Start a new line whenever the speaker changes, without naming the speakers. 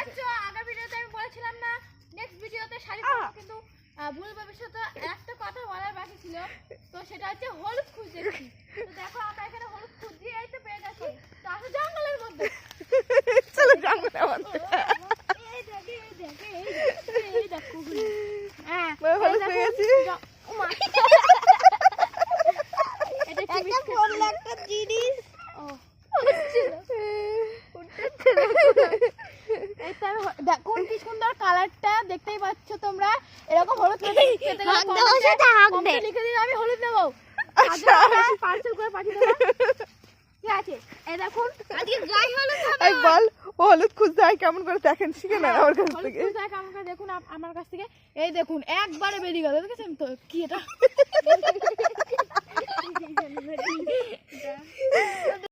দেখছো আগের ভিডিওতে আমি বলেছিলাম না নেক্সট ভিডিওতে শাড়ি পরবো, কিন্তু ভুল ভবিষ্যতে একটা কথা বলার বাকি ছিল, তো সেটা হচ্ছে হলুদ খুঁজছি। তো দেখো আমরা এখানে হলুদ খুঁজছি, এই তো পেয়ে গেছি। তো আসো জঙ্গলের মধ্যে,
চলো জঙ্গলের মধ্যে।
এই দেখে এই দেখে এই দেখো হ্যাঁ
হলুদ পেয়ে গেছি।
এটা একটা পড়লো একটা জিনিস। ও দেখুন কি সুন্দর কালারটা, দেখতেই পাচ্ছ তোমরা। এরকম হলুদ পেতে গেলে লিখে দিন আমি হলুদ নেবো, পার্সেল করে পাঠিয়ে দেবো। ঠিক আছে, এই দেখুন আজকে গায়ে হলুদ হবে।
এই বল ও হলুদ খুঁজতে হয় কেমন করে দেখেন, শিখে নেন আমার কাছ
হলুদ
থেকে।
খুঁজতে হয় কেমন করে দেখুন আমার কাছ থেকে। এই দেখুন একবারে বেরিয়ে গেল, দেখেছেন তো কি এটা।